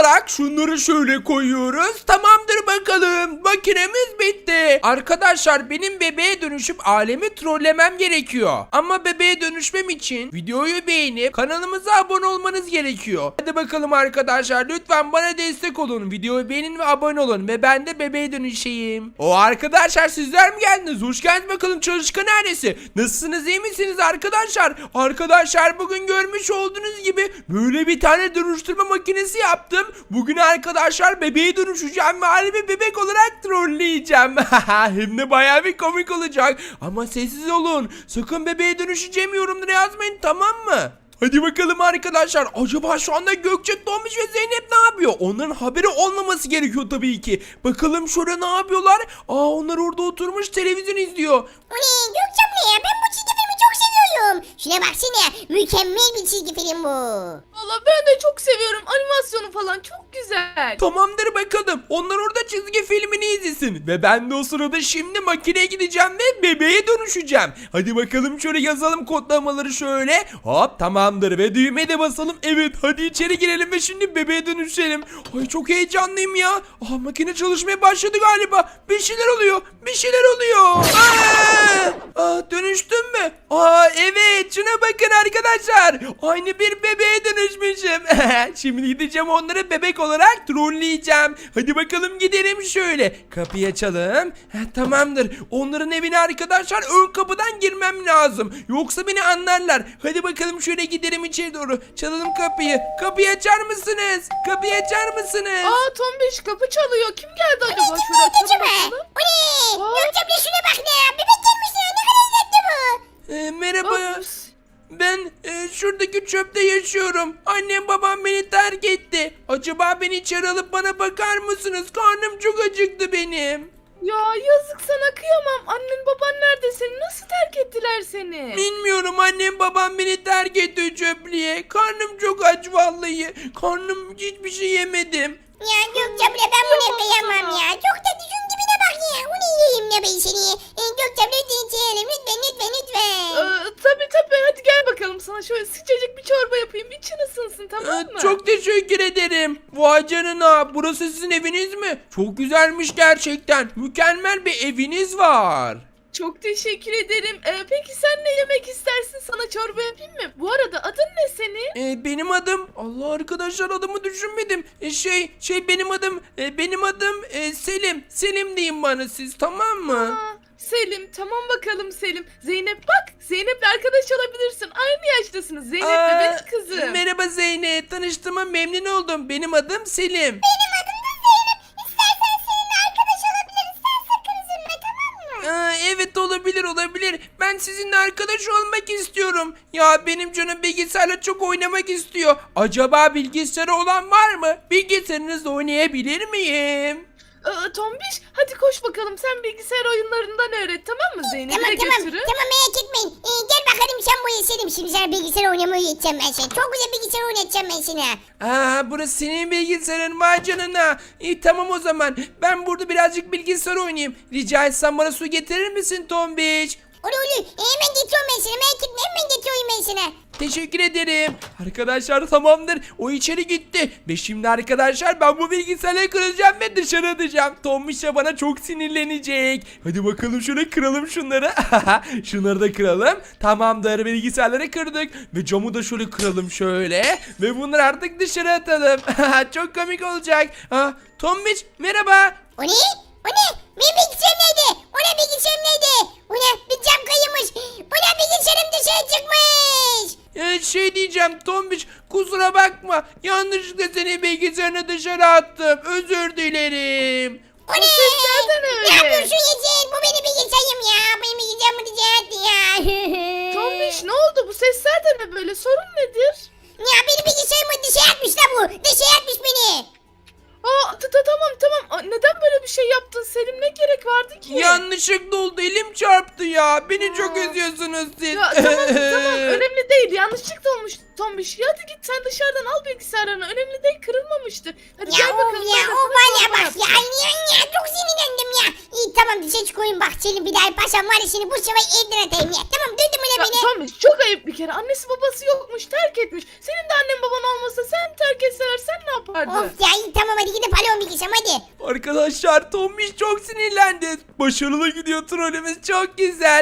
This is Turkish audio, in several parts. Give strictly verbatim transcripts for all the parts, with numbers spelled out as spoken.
olarak şunları şöyle koyuyoruz. Tamamdır bakalım. Makinemiz bitti. Arkadaşlar benim bebeğe dönüşüp alemi trollemem gerekiyor. Ama bebeğe dönüşmem için videoyu beğenip kanalımıza abone olmanız gerekiyor. Hadi bakalım arkadaşlar, lütfen bana destek olun. Videoyu beğenin ve abone olun ve ben de bebeğe dönüşeyim. O arkadaşlar, sizler mi geldiniz? Hoş geldiniz bakalım çalışkan ailesi. Nasılsınız, iyi misiniz arkadaşlar? Arkadaşlar bugün görmüş olduğunuz gibi böyle bir tane dönüştürme makinesi yaptım. Bugün arkadaşlar bebeğe dönüşeceğim ve halimi bebek olarak trolleyeceğim. Hem de bayağı bir komik olacak. Ama sessiz olun. Sakın bebeğe dönüşeceğim yorumlara yazmayın, tamam mı? Hadi bakalım arkadaşlar. Acaba şu anda Gökçe, Tomiş ve Zeynep ne yapıyor? Onların haberi olmaması gerekiyor tabii ki. Bakalım şurada ne yapıyorlar? Aa, onlar orada oturmuş televizyon izliyor. O ne Gökçe abla ya, ben bu çizgi filmi çok seviyorum. Şuna baksana, mükemmel bir çizgi film bu. Valla ben de çok seviyorum. Animasyonu falan çok güzel. Tamamdır bakalım. Onlar orada çizgi filmini izlesin. Ve ben de o sırada şimdi makineye gideceğim ve bebeğe dönüşeceğim. Hadi bakalım şöyle yazalım kodlamaları şöyle. Hop, tamamdır ve düğmeye de basalım. Evet, hadi içeri girelim ve şimdi bebeğe dönüşelim. Ay çok heyecanlıyım ya. Aa, makine çalışmaya başladı galiba. Bir şeyler oluyor. Bir şeyler oluyor. Aa, aa, dönüştüm mü? Aa, evet, şuna bakın arkadaşlar. Aynı bir bebeğe dönüşmüşüm. Şimdi gideceğim onları bebek olarak trolleyeceğim. Hadi bakalım gidelim şöyle. Kapıyı açalım. Heh, tamamdır. Onların evine arkadaşlar ön kapıdan girmem lazım. Yoksa beni anlarlar. Hadi bakalım şöyle gidelim içeri doğru. Çalalım kapıyı. Kapıyı açar mısınız? Kapıyı açar mısınız? Aa, Tombiş kapı çalıyor. Kim geldi acaba? Kim Şöyle geldi açalım acaba? bakalım. O ne? Aa. Gökçe abla şuna bak ne? Bebek gelmiş ya, ne kadar tatlı bu. Ee, merhaba. Aa, Ben e, şuradaki çöpte yaşıyorum. Annem babam beni terk etti. Acaba beni içeri alıp bana bakar mısınız? Karnım çok acıktı benim. Ya yazık sana, kıyamam. Annen baban nerede seni? Nasıl terk ettiler seni? Bilmiyorum, annem babam beni terk etti çöplüğe. Karnım çok aç vallahi. Karnım, hiçbir şey yemedim. Ya Gökçe abla, ben buna kıyamam ya. Çok tatlı, şunun dibine bak ya. O ne yiyeyim ya ben seni. Ee, Gökçe abla lütfen içerim. Lütfen lütfen lütfen. Ee, tabii tabii, hadi gel bakalım, sana şöyle sıcacık bir çorba yapayım. İçin ısınsın, tamam Ee, mı? Çok teşekkür ederim. Vay canına, burası sizin eviniz mi? Çok güzelmiş gerçekten. Mükemmel bir eviniz var. Çok teşekkür ederim. Ee, peki sen ne yemek istersin? Sana çorba yapayım mı? Bu arada adın ne senin? Ee, benim adım, Allah arkadaşlar, adımı düşünmedim. Ee, şey şey benim adım e, benim adım e, Selim. Selim deyin bana siz, tamam mı? Aa, Selim, tamam bakalım Selim. Zeynep bak, Zeynep'le arkadaş olabilirsin. Aynı yaştasınız. Zeynep de Aa, benim kızım. Merhaba Zeynep, tanıştığıma memnun oldum. Benim adım Selim. Benim adım da Zeynep. İstersen seninle arkadaş olabiliriz. Sen sakın üzülme, tamam mı? Aa, evet, olabilir olabilir. Ben sizinle arkadaş olmak istiyorum. Ya benim canım bilgisayarla çok oynamak istiyor. Acaba bilgisayarı olan var mı? Bilgisayarınızla oynayabilir miyim? Ee, Tombiş, hadi koş bakalım, sen bilgisayar oyunlarından öğret, tamam mı? Zeynep'i Tamam de tamam. götürün. Tamam, merak etmeyin. Ee, gel bakalım sen bu Selim. Şimdi sana bilgisayar oynamayı öğreteceğim ben sana. Çok güzel bilgisayar oynatacağım ben sana. Aa, burası senin bilgisayarın, vay canına. İyi, tamam o zaman. Ben burada birazcık bilgisayar oynayayım. Rica etsem bana su getirir misin Tombiç? Olur olur. Ee, hemen getiriyorum ben sana. Merak etme, hemen getiriyorum ben sana. Teşekkür ederim. Arkadaşlar tamamdır. O içeri gitti. Ve şimdi arkadaşlar ben bu bilgisayarı kıracağım ve dışarı atacağım. Tombiş de bana çok sinirlenecek. Hadi bakalım şöyle kıralım şunları. Şunları da kıralım. Tamamdır, bilgisayarları kırdık. Ve camı da şöyle kıralım şöyle. Ve bunları artık dışarı atalım. Çok komik olacak. Ha, Tombiş merhaba. O ne? O ne? Benim bilgisayarım nerede? O ne, bilgisayarım nerede? O ne? Bir cam kaymış. O ne, bilgisayarım dışarı çıkmış. Ee, şey diyeceğim Tombiç, kusura bakma. Yanlışlıkla seni bilgisayarına dışarı attım. Özür dilerim. O ne? seslerden öyle. Ne yapıyorsun Yeşil? Bu benim bilgisayarım ya. Benim bilgisayarımı dışarı attı ya. Tombiş, ne oldu? Bu sesler de ne böyle? Sorun nedir? Ya benim bilgisayarımı dışarı atmış da bu. Dışarı atmış beni. Aa, ta- ta- tamam tamam. Aa, neden böyle bir şey yaptın Selim? Ne gerek vardı ki? Yanlışlıkla oldu, elim çarptı ya. Beni çok Aa. üzüyorsunuz siz. Ya tamam tamam, önemli değil, yanlışlıkla olmuş Tombiş. Ya hadi git sen dışarıdan al bilgisayarını, önemli değil, kırılmamıştır. Hadi Ya gel of bakalım. ya, ben de o sana var ya çorba bak ya. yapayım. Ya, ya çok sinirlendim ya. İyi tamam, dışarı çıkayım bak Selim bir daha yaparsan var ya seni bu sefer evden atayım ya. Tamam duydun mu Ya, ne beni? Tombiş çok ayıp bir kere. Annesi babası yokmuş, terk etmiş. Senin de annen baban olmasa sen terk etseler sen ne yapardın? Of ya iyi tamam hadi gidip alo bir gitsem hadi. Arkadaşlar Tombiş çok sinirlendi. Başarılı gidiyor trollümüz çok güzel.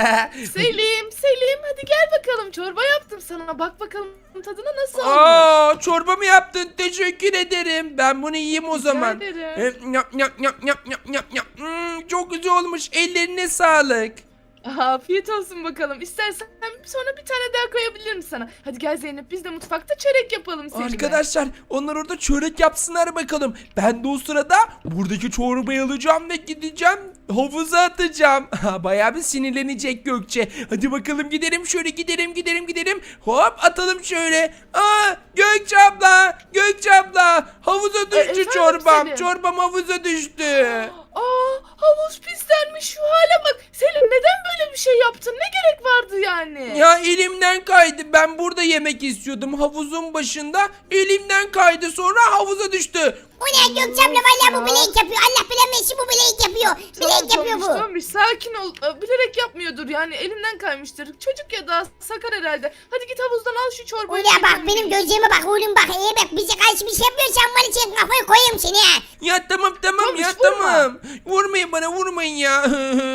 Selim, Selim hadi gel bakalım. Çorba yaptım sana. Bak bakalım tadına nasıl olmuş. Aa, çorba mı yaptın? Teşekkür ederim. Ben bunu yiyeyim o zaman. ederim. E, yap, yap, yap, yap, yap, yap, yap. Hmm, çok güzel olmuş. Ellerine sağlık. Afiyet olsun bakalım. İstersen sonra bir tane daha koyabilirim sana. Hadi gel Zeynep biz de mutfakta çörek yapalım seninle. Arkadaşlar onlar orada çörek yapsınlar bakalım. Ben de o sırada buradaki çorbayı alacağım ve gideceğim havuza atacağım. Bayağı bir sinirlenecek Gökçe. Hadi bakalım gidelim şöyle gidelim gidelim gidelim. Hop atalım şöyle. Aa Gökçe abla Gökçe abla havuza düştü efendim çorbam. Selim? Çorbam havuza düştü. Aa havuz pislenmiş şu hale bak. Selim neden böyle bir şey yaptın? Ne gerek vardı yani? Ya elimden kaydı. Ben burada yemek istiyordum havuzun başında. Elimden kaydı sonra havuza düştü. O ne Gökçe abla valla bu bilek yapıyor. Allah bilemezsin bu bilek yapıyor. Bilek yapıyor bu. Tombiş sakin ol. Ee, Bilerek yapmıyordur yani elimden kaymıştır. Çocuk ya da sakar herhalde. Hadi git havuzdan al şu çorbayı. Ulan bak benim gözlerime bak oğlum bak. Eğer bak bize karşı bir şey yapıyorsan var için kafayı koyayım seni ha. Ya tamam tamam Tombiş, ya vurma. tamam. Vurmayın bana vurmayın ya.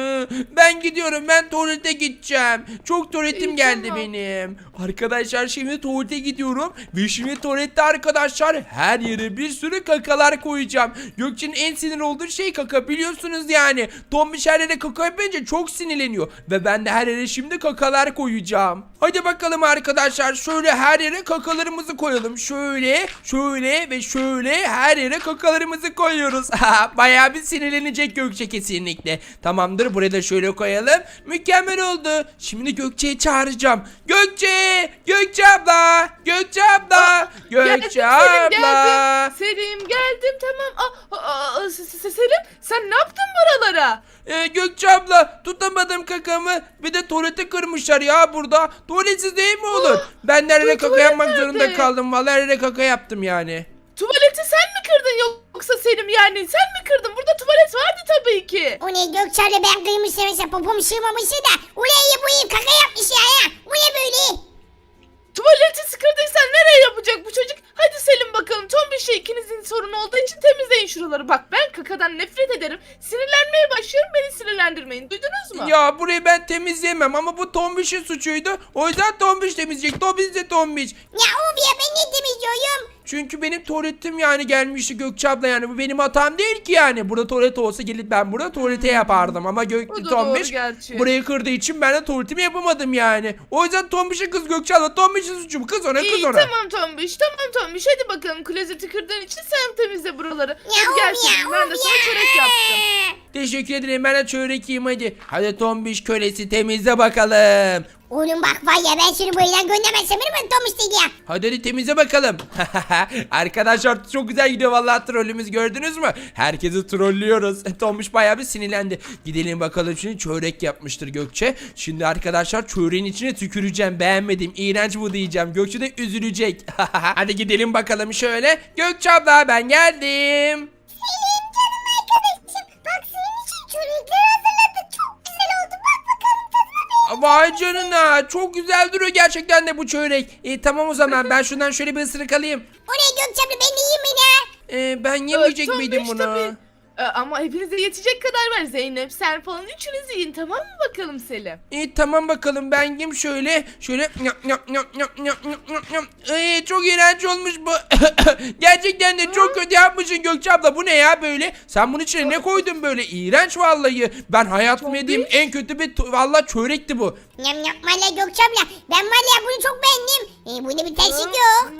Ben gidiyorum ben tuvalete gideceğim. Çok tuvaletim İyi, geldi tamam. benim. Arkadaşlar şimdi tuvalete gidiyorum. Ve şimdi tuvalette arkadaşlar her yere bir sürü kakalar koyacağım. Gökçe'nin en sinir olduğu şey kaka biliyorsunuz yani. Tombiş her yere kaka yapınca çok sinirleniyor. Ve ben de her yere şimdi kakalar koyacağım. Hadi bakalım arkadaşlar şöyle her yere kakalarımızı koyalım. Şöyle şöyle ve şöyle her yere kakalarımızı koyuyoruz. Bayağı bir sinirlenecek Gökçe kesinlikle. Tamamdır buraya da şöyle koyalım. Mükemmel oldu. Şimdi Gökçe'yi çağıracağım. Gökçe! Gökçe abla! Gökçe abla! Gökçe Geldim, Selim, abla! geldim. Selim geldim tamam. Aa, aa, aa, S- S- Selim sen ne yaptın buralara? Ee, Gökçe abla tutamadım kakamı. Bir de tuvalete kırmışlar ya burada. Tuvaletsiz değil mi olur? Ben de her yere bu kaka tuvalet yapmak zorunda nerede? kaldım. Vallahi her yere kaka yaptım yani. Tuvaleti sen mi kırdın yoksa Selim yani sen mi kırdın? Burada tuvalet vardı tabii ki. O ne Gökçe abla ben kıymışsam mesela popom sığmamışsa da. Ulan bu iyi kaka yapmış ya ya. Bu ne böyle? Tuvaleti sıkırdıysan nereye yapacak bu çocuk? Hadi Selim bakalım. Tom bir şey ikinizin sorunu olduğu için temizleyin şuraları. Bak ben kakadan nefret ederim. Sinirlenmeye başlıyorum beni sinirlendirmeyin. Duydunuz mu? Ya burayı ben temizleyemem ama bu Tombiş'in suçuydu. O yüzden Tombiş temizleyecek. Tombiş de Tombiş. Ya of ya ben ne temizliyorum? Çünkü benim tuvaletim yani gelmişti Gökçe abla yani bu benim hatam değil ki yani. Burada tuvalet olsa gelip ben burada tuvalete yapardım ama O Gök da Tombiş doğru gerçi. burayı kırdığı için ben de tuvaletimi yapamadım yani. O yüzden Tombiş'in kız Gökçe abla Tombiş'in suçu bu. Kız ona kız İyi ona. tamam Tombiş tamam Tombiş hadi bakalım klozeti kırdığın için sen temizle buraları. Ya Hadi of gel ya Selim ben de of sana ya. çörek yaptım. Teşekkür ederim ben de çörek yiyeyim hadi. Hadi Tombiş kölesi temizle bakalım. Oğlum bak var ya ben seni bu evden göndermezsem benim ben Tom istedi ya. Hadi hadi temizle bakalım. Arkadaşlar çok güzel gidiyor vallahi trollümüz gördünüz mü? Herkesi trollüyoruz. Tombiş bayağı bir sinirlendi. Gidelim bakalım şimdi çörek yapmıştır Gökçe. Şimdi arkadaşlar çöreğin içine tüküreceğim. Beğenmedim. İğrenç bu diyeceğim. Gökçe de üzülecek. Hadi gidelim bakalım şöyle. Gökçe abla ben geldim. Selim canım arkadaşım. Bak senin için çörekler hazırladık. Çok güzel oldu. Bak bakalım tadına bir. Vay canına çok güzel duruyor gerçekten de bu çörek. E, tamam o zaman ben şundan şöyle bir ısırık alayım. O ne Gökçe abla ben de yiyeyim mi ne? E, ben yemeyecek Tombiş miydim bunu? tabii. Ee, Ama hepinize yetecek kadar var Zeynep. Sen falan üçünüz yiyin tamam mı bakalım Selim? İyi tamam bakalım ben yiyeyim şöyle şöyle yap yap yap yap yap yap yap yap. Ee, çok iğrenç olmuş bu. Gerçekten de çok kötü yapmışsın Gökçe abla bu ne ya böyle? Sen bunun içine ne koydun böyle? İğrenç vallahi. Ben hayatımda Tombiş. yediğim en kötü bir tu- vallahi çörekti bu. Yam yam valla Gökçe abla. Ben var ya bunu çok beğendim. E, bunda bir terslik yok.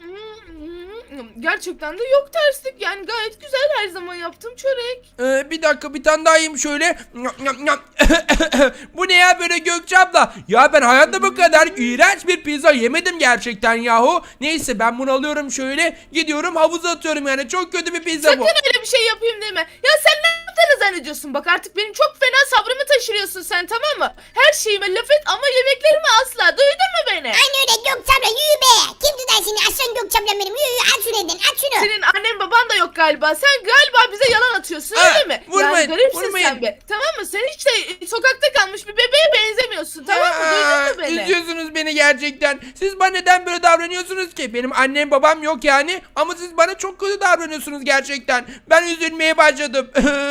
Gerçekten de yok terslik yani gayet güzel her zaman yaptığım çörek. Ee, bir dakika bir tane daha yiyeyim şöyle. Yap, yap, yap. Bu ne ya böyle Gökçe abla? Ya ben hayatta bu kadar iğrenç bir pizza yemedim gerçekten yahu. Neyse ben bunu alıyorum şöyle. Gidiyorum havuza atıyorum yani. Çok kötü bir pizza Sakın bu. öyle bir şey yapayım deme. Ya sen ne yaptığını zannediyorsun bak artık benim çok fena sabrımı taşırıyorsun sen tamam mı? Her şeyime laf et ama yemeklerimi asla duydun mu beni? Aynı öyle Gökçe abla yürü be. Kim tutar seni aslan Gökçe abla benim yürü yürü aç şunu evden aç şunu. Senin annen baban da yok galiba. Sen galiba bize yalan atıyorsun Aa, öyle mi? vurmayın, Yani garipsin vurmayın. sen be. Tamam mı? Sen hiç de sokakta kalmış bir bebeğe benzemiyorsun. Tamam mı? Aa, Duydun mu beni? Üzüyorsunuz beni gerçekten. Siz bana neden böyle davranıyorsunuz ki? Benim annem babam yok yani. Ama siz bana çok kötü davranıyorsunuz gerçekten. Ben üzülmeye başladım.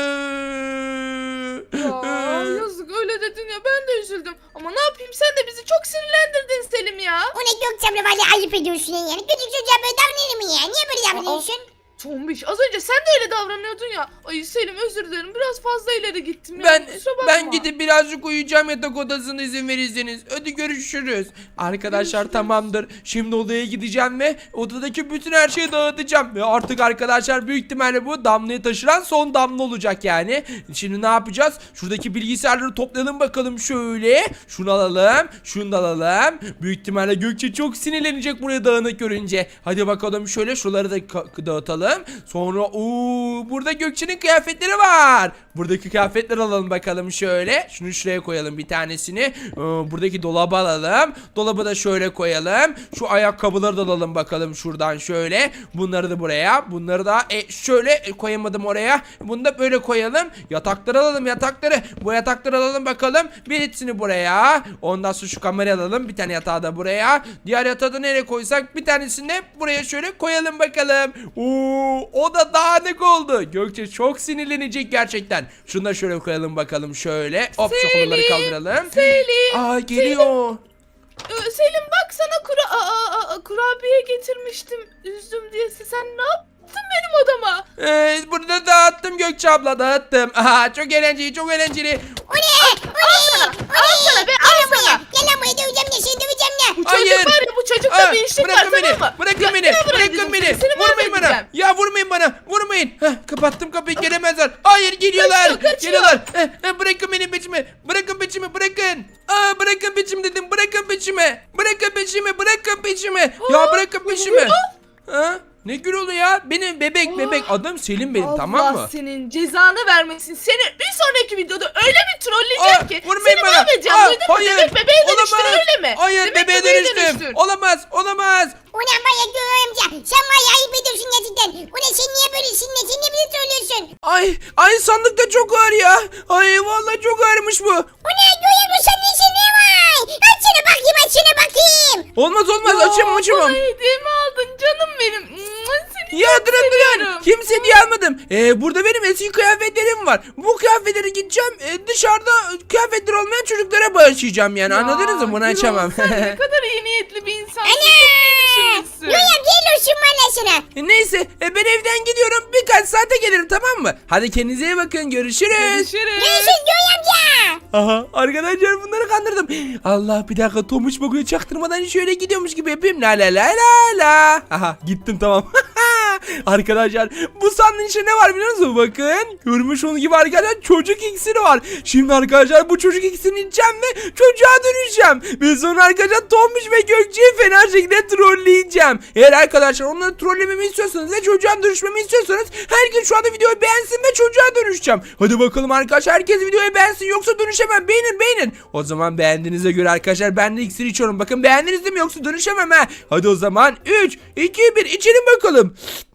Ya yazık öyle dedin ya ben de üzüldüm. Ama ne yapayım sen de bizi çok sinirlendirdin Selim ya. O ne Gökçe abla valla ayıp ediyorsun yani. Küçük çocuğa böyle davranır mı ya? Niye böyle davranıyorsun? Tombiş az önce sen de öyle davranıyordun ya. Ay Selim özür dilerim biraz fazla ileri gittim ya. Ben Kusura bakma. ben gidip birazcık uyuyacağım yatak odasına izin verirseniz. Hadi görüşürüz. Arkadaşlar Görüşürüz. tamamdır. Şimdi odaya gideceğim ve odadaki bütün her şeyi dağıtacağım. Ve artık arkadaşlar büyük ihtimalle bu damlayı taşıran son damla olacak yani. Şimdi ne yapacağız? Şuradaki bilgisayarları toplayalım bakalım şöyle. Şunu alalım. Şunu da alalım. Büyük ihtimalle Gökçe çok sinirlenecek buraya dağınık görünce. Hadi bakalım şöyle şuraları da ka- dağıtalım. Sonra ooo burada Gökçe'nin kıyafetleri var. Buradaki kıyafetleri alalım bakalım şöyle. Şunu şuraya koyalım bir tanesini. Ee, buradaki dolabı alalım. Dolabı da şöyle koyalım. Şu ayakkabıları da alalım bakalım şuradan şöyle. Bunları da buraya. Bunları da e, şöyle koyamadım oraya. Bunu da böyle koyalım. Yatakları alalım yatakları. Bu yatakları alalım bakalım. Birisini buraya. Ondan sonra şu kamerayı alalım. Bir tane yatağı da buraya. Diğer yatağı da nereye koysak? Bir tanesini de buraya şöyle koyalım bakalım. Oo, o da dağınık oldu. Gökçe çok sinirlenecek gerçekten. Şunu da şöyle koyalım bakalım şöyle. Hop şu kolları kaldıralım. Selim. Aa geliyor. Ee, Selim bak sana kura aa, aa, aa, kurabiye getirmiştim. Üzdüm diye sen ne yaptın benim odama? Ee, burada dağıttım Gökçe abla dağıttım. Aha, çok eğlenceli çok eğlenceli. O ne? O ne? Al sana be al Gel lan sana. buraya. Gel lan buraya döveceğim ya seni döveceğim ya. Bu Hayır. çocuk var ya bu çocukta Aa, bir işlik var bırakın beni. tamam mı? Bırakın Ya, beni. gel buraya Bırakın dedim. beni. Seni Vurmayın bana. mahvedeceğim. Ya vurmayın bana. Vurmayın. Heh, kapattım kapıyı gelemezler. Hayır geliyorlar. Kaçıyor, kaçıyor. Geliyorlar. Eh, eh, bırakın beni peçimi. Bırakın peçimi bırakın. Aa, bırakın peçimi dedim. Bırakın peçimi. Bırakın peçimi. Bırakın peçimi. Ya Aa, bırakın bu peçimi. Gürol. Ha? Ne Gürol'u ya? Benim bebek bebek. Adım Selim benim Allah tamam mı? senin cezanı vermesin. Seni bir sonraki videoda öyle bir trolleyeceğim Aa, ki. vurmayın Seni bana. mahvedeceğim Aa, duydun mu? hayır. Bebek bebeğe dönüştün Olamaz. öyle mi? Hayır Bebek bebeğe bebeğe dönüştüm. dönüştün. Olamaz olamaz. Ulan var ya Göğe amca sen var ya ayıp ediyorsun gerçekten. Ulan sen niye böylesin ne sen niye böyle söylüyorsun? Ay ay sandık da çok ağır ya. Ay vallahi çok ağırmış bu. Ulan Göğe amca sen ne sen ne var? Açsana bakayım açsana bakayım. Olmaz olmaz Ya, açamam açamam. Bana hediyemi aldın canım benim. Mua, Seni Ya çok durun durun. seviyorum. Kimse diye almadım. Ee, burada benim eski kıyafetlerim var. Bu kıyafetleri gideceğim e, dışarıda kıyafetler olmayan çocuklara bağışlayacağım yani. Ya, Anladınız mı? Bunu Gürol, açamam. Sen ne kadar iyi niyetli bir insansın. Ana. Çok iyi düşünmüşsün. Göğe amca el olsun valla sana. Neyse e, ben evden gidiyorum. Birkaç saate gelirim tamam mı? Hadi kendinize iyi bakın. Görüşürüz. Görüşürüz. Görüşürüz Göğe amca. Aha arkadaşlar bunları kandırdım. Allah bir dakika Tomuç bakıyor çaktırmadan şöyle gidiyormuş gibi yapayım. La la la la la. Aha gittim tamam. Arkadaşlar bu sandığın içinde ne var biliyor musunuz? Bakın görmüş olduğunuz gibi arkadaşlar çocuk iksiri var. Şimdi arkadaşlar bu çocuk iksirini içeceğim ve çocuğa dönüşeceğim. Ve sonra arkadaşlar Tomuç ve Gökçe'yi fena şekilde trolleyeceğim. Eğer arkadaşlar onları trollememi istiyorsanız ve çocuğa dönüşmemi istiyorsanız herkes şu anda videoyu beğensin ve çocuğa dönüşeceğim. Hadi bakalım arkadaşlar herkes videoyu beğensin yoksa dönüşemem. Beğenin beğenin. O zaman beğendiğinize göre arkadaşlar ben de iksir içiyorum. Bakın beğendiniz değil mi yoksa dönüşemem ha. Hadi o zaman üç, iki, bir içelim bakalım.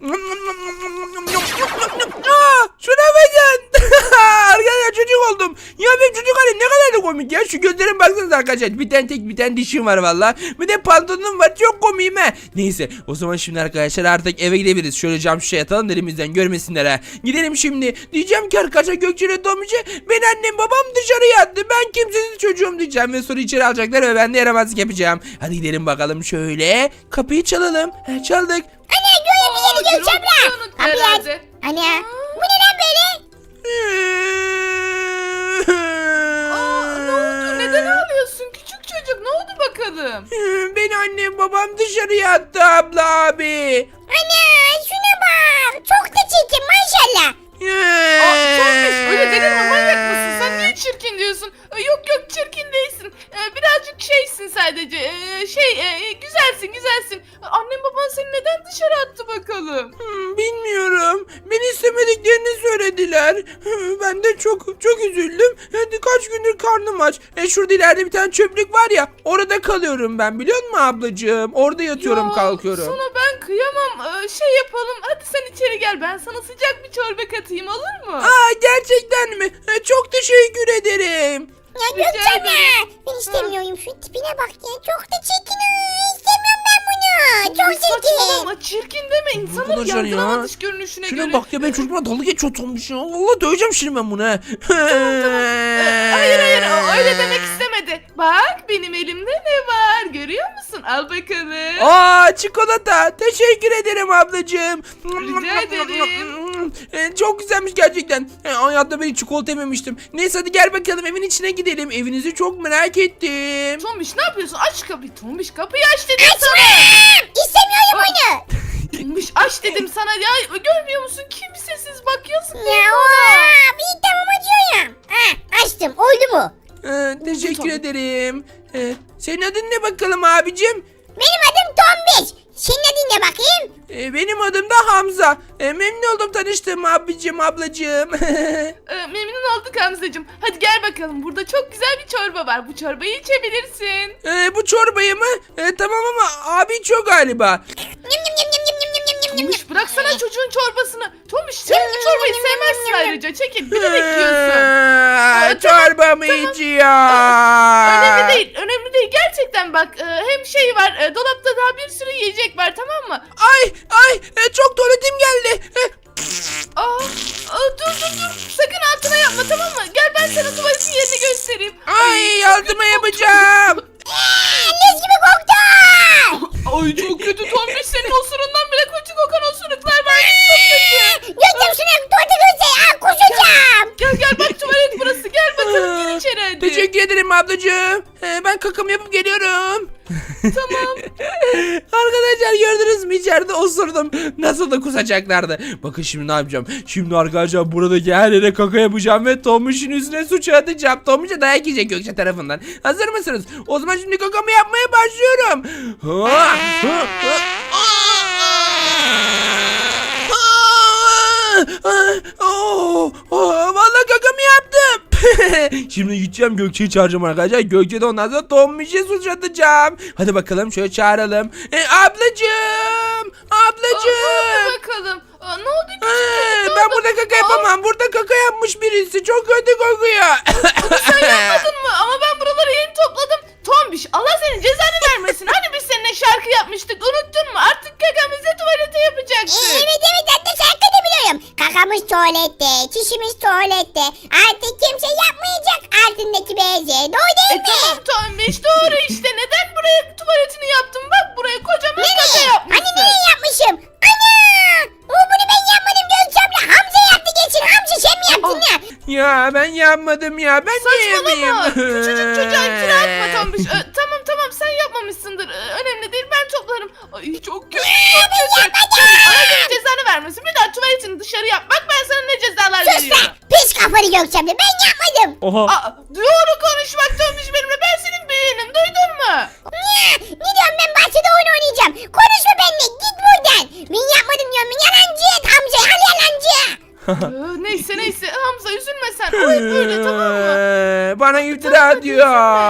Aa, şuna bakın. Arkadaşlar çocuk oldum. Ya benim çocuk halim ne kadar da komik ya. Şu gözlerim baksanıza arkadaşlar. Bir tane tek bir tane dişim var valla. Bir de pantolonum var. Çok komiyim ha. Neyse o zaman şimdi arkadaşlar artık eve gidebiliriz. Şöyle cam şişe yatalım elimizden görmesinler ha. Gidelim şimdi. Diyeceğim ki arkadaşlar Gökçe'yle Tomuç'a ben annem babam dışarıya attı. Ben kimsesiz çocuğum diyeceğim. Ve sonra içeri alacaklar ve ben de yaramazlık yapacağım. Hadi gidelim bakalım şöyle. Kapıyı çalalım. He, çaldık. Ana Göğe amca Aa, yeni Gökçe Gürol abla. bizi unuttu Kapıyı aç. herhalde. Ana bu ne lan böyle? Aa, ne oldu? Neden ağlıyorsun? Küçük çocuk ne oldu bakalım? Beni annem babam dışarıya attı abla abi. Ana şuna bak. Çok da çirkin maşallah. Aa, Tombiş öyle dedin mi manyak mısın? Sen niye çirkin diyorsun? Ee, Yok yok çirkin değilsin. Ee, birazcık şeysin sadece. Ee, şey e, güzelsin güzelsin. Ee, Annem baban seni neden dışarı attı bakalım? Hmm, bilmiyorum. Beni istemediklerini söylediler. Hı, Ben de çok çok üzüldüm. Hadi kaç gündür karnım aç. E şurada ileride bir tane çöplük var ya. Orada kalıyorum ben biliyor musun ablacığım? Orada yatıyorum Ya, kalkıyorum. Sana ben kıyamam. Ee, şey yapalım. Hadi sen içeri gel gel ben sana sıcak bir çorba katayım olur mu? Aa gerçekten mi? E, Çok teşekkür ederim. Ya Rica Gökçe abla. ederim. Ben istemiyorum. Şu tipine bak ya. Çok da çirkin. Aa, İstemiyorum ben bunu. Çok çirkin. Saçmalama çirkin deme insanın Arkadaşlar ya. yargılama dış görünüşüne Şuna göre. bak ya ben çocukla dalga geçiyor olmuş ya. Allah döveceğim şimdi ben bunu. ha. Ee, hayır hayır o öyle demek istemedi. Bak benim elimde ne var görüyor musun? Al bakalım. Aa çikolata. Teşekkür ederim ablacığım. Rica ederim. E, Çok güzelmiş gerçekten. E, Hayatta ben hiç çikolata yememiştim. Neyse hadi gel bakalım evin içine gidelim. Evinizi çok merak ettim. Tombiş ne yapıyorsun? Aç kapıyı. Tombiş kapıyı aç dedim sana. İstemiyorum onu. Tombiş aç dedim sana ya. Görmüyor musun? Kimsesiz bak yazık. Ya oha. Bir tamam açıyorum. Ha, açtım. Oldu mu? E, teşekkür tabii. ederim. E, senin adın ne bakalım abicim? Benim adım Tombiş. Senin adın ne bakayım? E, benim adım da Hamza. E, memnun oldum tanıştığım abicim ablacığım. Ee, memnun olduk Hamzacığım. Hadi gel bakalım. Burada çok güzel bir çorba var. Bu çorbayı içebilirsin. e, bu çorbayı mı? E, tamam ama abi çok galiba. Yum yum yum yum yum yum yum yum yum. Tombiş bıraksana çocuğun çorbasını. Tombiş sen bu çorbayı sevmezsin ayrıca. Çekil. Bilerek yiyorsun. Aa, tamam, çorbamı tamam. içiyor. Önemli değil. Önemli değil. Gerçekten bak e, hem şey var. e, dolapta daha bir sürü yiyecek var tamam mı? Ay ay e, çok tuvaletim geldi. E, Aa, aa, dur dur dur. Sakın altına yapma tamam mı? Gel ben sana tuvaletin yerini göstereyim. Ay yardıma yapacağım. Leş gibi koktu. Ay çok kötü Tombiş senin osurundan bile kötü kokan osuruklar var. Çok kötü. Gökçem şuna tuvalete göster. Aa kusacağım. Gel gel bak tuvalet burası. Gel bakalım gir içeri hadi. Teşekkür ederim ablacığım. E, ben kakamı yapıp geliyorum. Tamam. Arkadaşlar gördünüz mü içeride osurdum. Nasıl da kusacaklardı. Bakın şimdi ne yapacağım. Şimdi arkadaşlar buradaki her yere kaka yapacağım ve Tomuş'un üstüne suç atacağım. Tomuş'a dayak yiyecek Gökçe tarafından. Hazır mısınız? O zaman şimdi kakamı yapmaya başlıyorum. Ha, ha, ha. Oh, oh, vallahi kakamı yaptım. Şimdi gideceğim Gökçe'yi çağıracağım arkadaşlar. Gökçe de ondan sonra Tombiş'e suç atacağım. Hadi bakalım şöyle çağıralım. E, ablacığım. Ablacığım. Hadi bakalım. Aa, ne oldu küçük Ee, çocuk? Ne ben oldu? burada kaka Aa, yapamam. Burada kaka yapmış birisi. Çok kötü kokuyor. Sen yapmadın mı? Ama ben buraları yeni topladım. Tombiş Allah senin cezanı vermesin. Hani biz seninle şarkı yapmıştık unuttun mu? Artık kakamızı tuvalete yapacaksın. Evet evet hatta şarkı da biliyorum. Kakamız tuvalette, çişimiz tuvalette. Artık kimse yapmayacak altındaki bezi. Doğru E değil mi? tamam Tombiş doğru işte. Neden buraya tuvaletini yaptın? Bak buraya kocaman kaka Nereye? yapmışsın. Hani nereye yapmışım? Ana! O bunu ben yapmadım Gökçem'le. Hamza yaptı geçin. Hamza sen mi yaptın ya? Ya ben yapmadım ya. Ben niye yapayım? Saçmalama. Küçücük çocuğa iftira atma Tombiş. Ee, tamam tamam sen yapmamışsındır. Ee, önemli değil ben toplarım. Ay çok kötü çok kötü. Allah senin cezanı vermesin. Bir daha tuvaletini dışarı yap. Bak ben sana ne cezalar Sus veriyorum. lan. Pis kafalı Gökçem'le. Ben yapmadım. Oha. Aa, doğru konuş bak Tombiş benimle. Ben senin büyüğünüm. Duydun mu? Ne? Ne diyorum ben bahçede oyun oynayacağım. Konuşma benimle. Git buradan. Ben yapmadım diyorum. Ben yalancı. Hamza al yalancı. Ee, neyse neyse Hamza üzülme sen. O hep böyle tamam mı? Ee, Bana iftira Tamam, atıyor.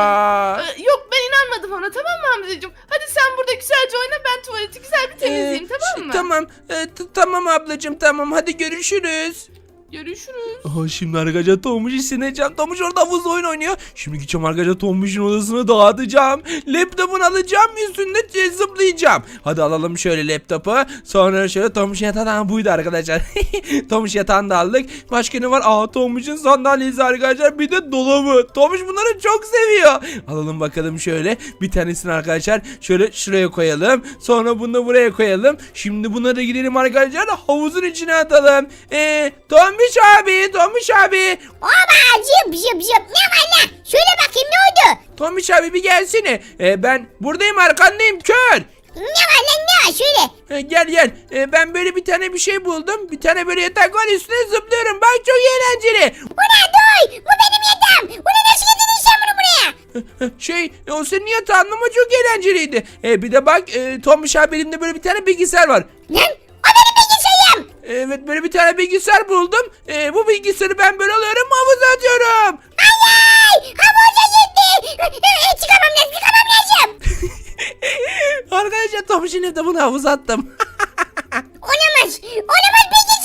Ee, yok ben inanmadım ona tamam mı Hamzacığım? Hadi sen burada güzelce oyna ben tuvaleti güzel bir temizleyeyim Ee, tamam mı? Tamam. Ee, t- tamam ablacığım tamam. Hadi görüşürüz. Görüşürüz. Aha, şimdi arkadaşlar Tombuş'u sineceğim. Tombuş orada havuzda oyun oynuyor. Şimdi gideceğim arkadaşlar Tombuş'un odasını dağıtacağım. Laptopunu alacağım üstünde zıplayacağım. Hadi alalım şöyle laptopu. Sonra şöyle Tombuş'un yatağından buydu arkadaşlar. Tombuş yatağını da aldık. Başka ne var? Aa Tombuş'un sandalyesi arkadaşlar. Bir de dolabı. Tombuş bunları çok seviyor. Alalım bakalım şöyle. Bir tanesini arkadaşlar şöyle şuraya koyalım. Sonra bunu da buraya koyalım. Şimdi bunları gidelim arkadaşlar havuzun içine atalım. Eee Tombuş abi, Tombiş abi. Oba zıp zıp zıp. Ne var lan? Şöyle bakayım ne oldu? Tombiş abi bir gelsene. Ee, ben buradayım arkandayım kör. Ne var lan ne var? Şöyle. Ee, gel gel. Ee, ben böyle bir tane bir şey buldum. Bir tane böyle yatak var üstüne zıplıyorum. Bak çok eğlenceli. Bu ne duy? Bu benim yatağım. Bu ne nasıl getirdin sen bunu buraya? Şey o senin yatağın ama çok eğlenceliydi. Ee, bir de bak e, Tombiş abi elimde böyle bir tane bilgisayar var. Lan o benim bilgisayarım. Evet böyle bir tane bilgisayar buldum. Ee, bu bilgisayarı ben böyle alıyorum havuza atıyorum. Ay havuza gitti. Çıkamam lazım çıkamam lazım. Arkadaşlar Tombiş'in evde bunu havuza attım. Olamaz. Olamaz bilgisayarım.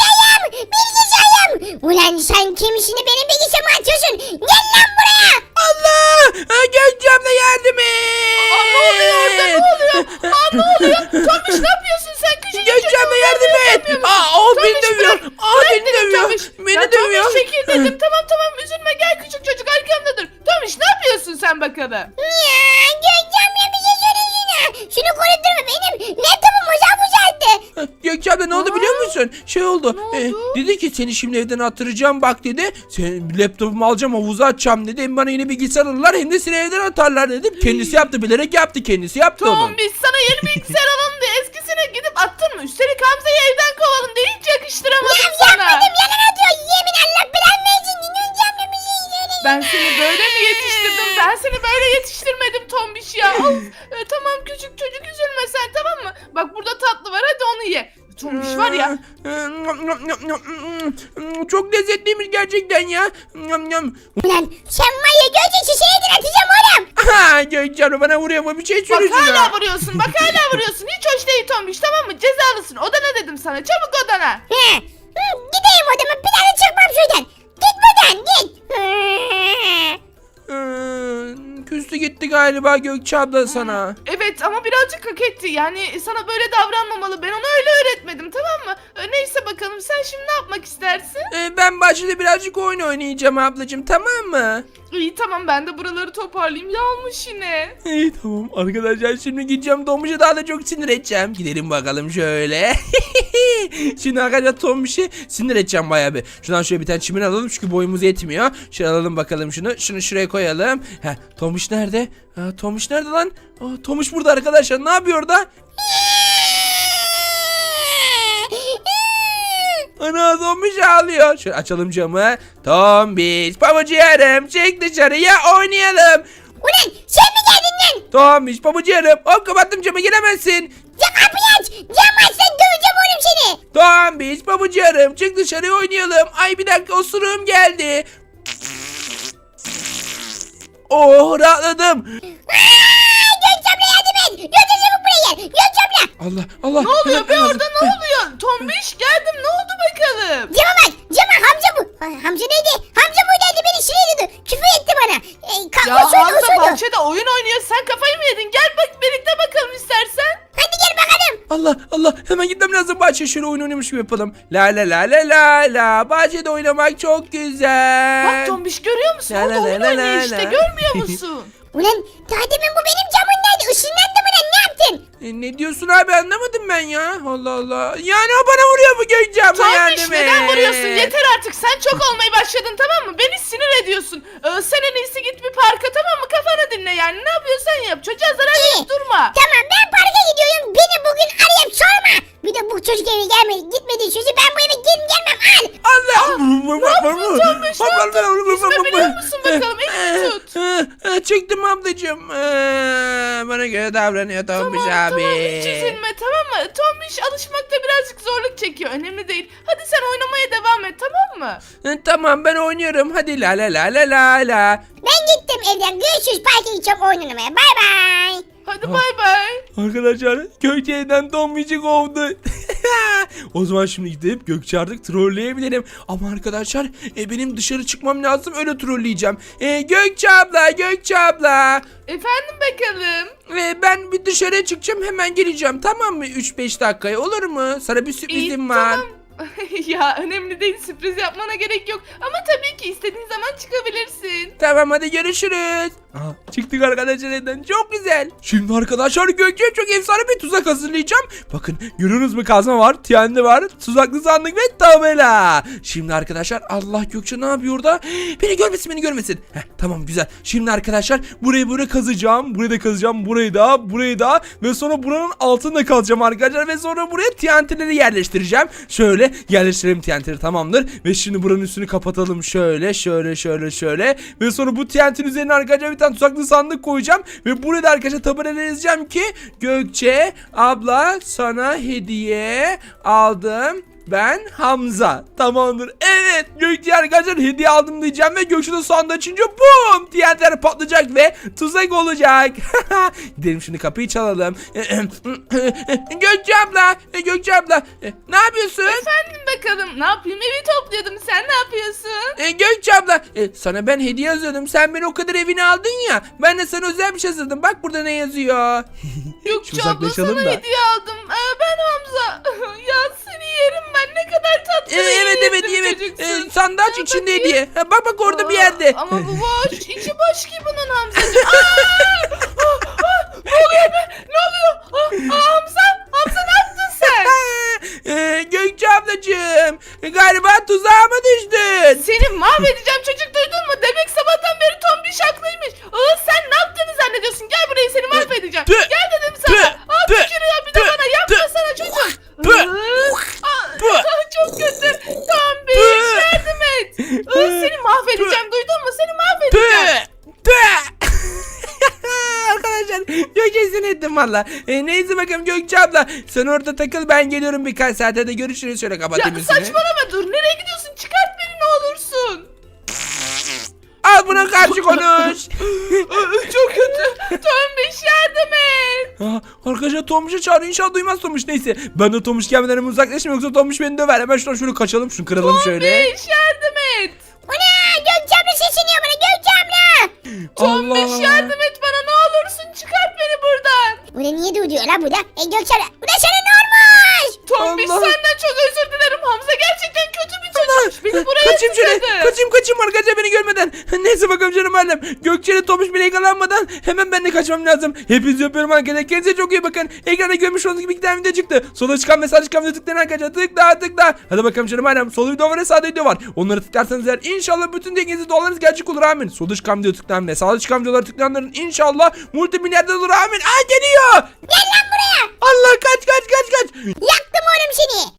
Sen kimisini benim bilgisayarıma açıyorsun? Gel lan buraya. Allah! Ha, Gökçe abla yardım et! Aa, ne oluyor orada ne oluyor? Aa, ne oluyor? Tombiş ne yapıyorsun sen küçücük Gökçe çocuğu abla yardım et! Aa, o beni Tombiş, dövüyor! bırak, Aa, bırak beni dedim dövüyor! Tombiş. Beni Ya dövüyor! Tombiş çekil dedim tamam tamam üzülme gel küçük çocuk arkamda dur. Tombiş ne yapıyorsun sen bakalım? Ya Gökçem ya bir şey söylesene. Şunu konuşturma benim laptopum uzak uzaktı. Ha, Gökçe abla ne oldu Aa, biliyor musun? Şey oldu. ne e, oldu? dedi ki seni şimdi evden attıracağım bak dedi. Senin laptopumu alacağım havuza atacağım dedi. Hem bana yine bilgisayar alırlar hem de seni evden atarlar dedim. Kendisi yaptı bilerek yaptı kendisi yaptı onu. Tombiş sana yeni bilgisayar alalım diye eskisine gidip attın mı? Üstelik Hamza'yı evden kovalım diye hiç yakıştıramadım Ya sana. yapmadım yalan atıyor. Yemin Allah belanı versin. Gökçem ya bir şey söylesene. Ben seni böyle mi yetiştirdim? Ben seni böyle yetiştirmedim Tombiş ya. Of. E, tamam küçük çocuk üzülme sen tamam mı? Bak burada tatlı var hadi onu ye. Tombiş var ya. Çok lezzetliymiş gerçekten ya. Yam, yam. Ulan sen var ya Gökçe şişeyi atacağım oğlum. Aha, Gökçe abla bana vuruyor ama bir şey Bak söyleyeceğim. hala vuruyorsun. Bak hala vuruyorsun. Hiç hoş değil Tombiş tamam mı? Cezalısın. Odana dedim sana. Çabuk odana. He. Hı, gideyim odama bir daha da çıkmam şuradan. Git buradan git. Hı. Ee, Küstü gitti galiba Gökçe abla sana. Evet ama birazcık hak etti. Yani sana böyle davranmamalı. Ben ona öyle öğretmedim tamam mı? E, neyse bakalım sen şimdi ne yapmak istersin? Ee, ben bahçede birazcık oyun oynayacağım ablacığım tamam mı? İyi tamam ben de buraları toparlayayım. Yağmış yine. İyi tamam arkadaşlar şimdi gideceğim Tombiş'e daha da çok sinir edeceğim. Gidelim bakalım şöyle. Şimdi arkadaşlar Tombiş'i sinir edeceğim bayağı bir. Şuradan şöyle bir tane çimin alalım çünkü boyumuz yetmiyor. Şöyle alalım bakalım şunu. Şunu şuraya koyalım. Heh, Tombiş nerede? Ha, Tombiş nerede lan? Aa, Tombiş burada arkadaşlar ne yapıyor orada? Ana Tombiş ağlıyor. Şöyle açalım camı. Tombiş pabucu çık dışarıya oynayalım. Ulan sen mi geldin lan? Tombiş pabucu hop kapattım camı giremezsin. Ya kapıyı aç. Cam aç sen döveceğim oğlum seni. Tombiş pabucu çık dışarıya oynayalım. Ay bir dakika osuruğum geldi. Oh rahatladım. Aaa Gökçem'le yardım et. Gökçem çabuk buraya gel. Gökçem'le. Allah Allah. Ne oluyor be Hemen- orada ne oluyor? Tombiş geldim ne oldu bakalım? Cama bak. Cama Hamza bu. Ay, Hamza neydi? Hamza buradaydı beni sinirledi. Küfür etti bana. E, ka- Ya osurdu, Hamza osurdu. bahçede oyun oynuyor. Sen kafayı mı yedin? Gel bak birlikte bakalım istersen. Hadi gel bakalım. Allah Allah hemen gitmem lazım bahçeye şöyle oyun oynamış gibi yapalım. La la la la la la bahçede oynamak çok güzel. Bak Tombiş görüyor musun? La Orada la oyun la la oynuyor la işte la. görmüyor musun? Ulan daha demin bu benim camımdaydı. Işınlandı mı lan ne yaptın? E, ne diyorsun abi anlamadım ben ya. Allah Allah. Yani o bana vuruyor bu Gökçe abla Tombiş yardım neden et. vuruyorsun? Yeter artık sen çok olmaya başladın tamam mı? Beni sinir ediyorsun. Ee, sen en iyisi git bir parka tamam mı? Kafanı dinle yani ne yapıyorsan yap. Çocuğa zarar İyi. verip durma. Tamam ben parka gidiyorum. Beni bugün arayıp sorma. Bir de bu çocuk eve gelmedi. Gitmedi sözü ben bu eve gelin gelmem al. Allah. Ne yaptın Tombiş? Ne yaptın? Yüzme biliyor musun bakalım? Elini tut. Çıktım ablacığım. Ee, Bana göre davranıyor Tombiş Tamam abi. tamam hiç üzülme tamam mı? Tombiş alışmakta birazcık zorluk çekiyor. Önemli değil. Hadi sen oynamaya devam et tamam mı? E, Tamam ben oynuyorum. Hadi la la la la la la. Ben gittim evden. Görüşürüz parka gideceğim oyun oynamaya. Bay bay. Hadi bay bay. Arkadaşlar Gökçe evden Tombiş'i kovdu. O zaman şimdi gidip Gökçe artık trolleyebilirim. Ama arkadaşlar e, benim dışarı çıkmam lazım öyle trolleyeceğim. E, Gökçe abla Gökçe abla. Efendim bakalım. E, ben bir dışarıya çıkacağım hemen geleceğim tamam mı? üç beş dakikaya olur mu? Sana bir sürprizim İyi, var. tamam. Ya önemli değil sürpriz yapmana gerek yok. Ama tabii ki istediğin zaman çıkabilirsin. Tamam hadi görüşürüz. Aa, çıktık arkadaşlar evden çok güzel. Şimdi arkadaşlar Gökçe'ye çok efsane bir tuzak hazırlayacağım. Bakın görüyorsunuz mu kazma var, T N T var, tuzaklı sandık ve tabela. Şimdi arkadaşlar Allah Gökçe ne yapıyor orada? Beni görmesin beni görmesin. Heh, tamam güzel. Şimdi arkadaşlar burayı böyle kazacağım. Burayı da kazacağım. Burayı da burayı da ve sonra buranın altında kalacağım arkadaşlar. Ve sonra buraya T N T'leri yerleştireceğim. Şöyle yerleştirelim T N T'leri tamamdır. Ve şimdi buranın üstünü kapatalım şöyle şöyle şöyle şöyle. Ve sonra bu T N T'nin üzerine arkadaşlar bir tane tuzaklı sandık koyacağım. Ve burada arkadaşlar tabelaya yazacağım ki Gökçe abla sana hediye aldım. Ben Hamza. Tamamdır. Evet. Gökçe arkadaşlar hediye aldım diyeceğim ve Gökçe de sandığı açınca bum! T N T'ler patlayacak ve tuzak olacak. Gidelim şimdi kapıyı çalalım. Gökçe abla. Gökçe abla. Ne yapıyorsun? Efendim bakalım Ne yapayım? Evi topluyordum. Sen ne yapıyorsun? E, Gökçe abla e, sana ben hediye yazıyordum. Sen beni o kadar evine aldın ya. Ben de sana özel bir şey hazırladım. Bak burada ne yazıyor. Gökçe Şu abla uzaklaşalım sana da. hediye aldım. Ee, ben Hamza. Ya seni yerim ben. Ne kadar tatlı. E, ve evet iyi evet bir evet. çocuksun. E, sandaç Aa, içinde bakayım. hediye. Ha, bak bak orada bir Aa, yerde. Ama bu boş. İçi boş ki bunun Hamzacığım. Aa! Aa, aa, ne oluyor be? Ne oluyor? Aa, aa, Hamza? Hamza ne yaptın sen? e, Gökçe ablacığım galiba tuzağıma düştün. Seni mahvedeceğim çocuk, duydun mu? Demek sabahtan beri tombiş haklıymış. Aa, sen ne yaptığını zannediyorsun? Gel buraya, seni mahvedeceğim. Tüh, Gel dedim sana. tüh, Aa, tüh, tükürüyor bir de tüh, bana. Yapma tüh, sana çocuk. tüh, Aa, tüh. aa, çok kötü. Tombiş Tüh. yardım et. Aa, seni mahvedeceğim, duydun mu? Seni mahvedeceğim. Tüh! Tüh! Arkadaşlar Gökçe'sini ettim valla. E, neyse bakalım Gökçe abla. Sen orada takıl, ben geliyorum birkaç saate de görüşürüz. Şöyle Ya kapatayım üstünü. saçmalama, dur. Nereye gidiyorsun? Çıkart beni ne olursun. Al buna karşı konuş. Çok kötü. Tombiş yardım et. Aa, arkadaşlar Tomuş'u çağır, inşallah duymaz Tomuş. Neyse ben de Tomuş gelmeden hemen uzaklaşayım, yoksa Tomuş beni döver. Hemen şuradan şöyle kaçalım, şunu kıralım şöyle. Tombiş yardım et. Ana Gökçe abla sesleniyor bana, Gökçe abla. Tombiş Allah. yardım et bana, ne olursun çıkart beni buradan. Bu da niye duyuyor la bu da? E Gökçe abla bu da sana ne olmuş? Tombiş Allah. senden çok özür dilerim. Hamza gerçekten kötü bir çocuk. Beni buraya Kaçayım şöyle. tıkladı. Kaçayım kaçayım arkadaşlar, beni görmeden. Neyse bakalım canım annem. Gökçe'yle Tomuş bile yakalanmadan hemen ben de kaçmam lazım. Hepinizi öpüyorum arkadaşlar. Kendinize çok iyi bakın. Ekranda görmüş olduğunuz gibi iki tane video çıktı. Sola çıkan ve sağ çıkan video tıklayın arkadaşlar. Tıkla tıkla. Hadi bakalım canım annem. Sol video var ve sağda video var. Onları tıklarsanız eğer inşallah bütün dengenizi dualarınız gerçek olur, amin. Solda çıkan video tıklayan ve sağda çıkan videoları tıklayanların inşallah multimilyarder olur, amin. Aa, geliyor. Gel lan buraya. Allah, kaç kaç kaç kaç. Yaktım oğlum seni.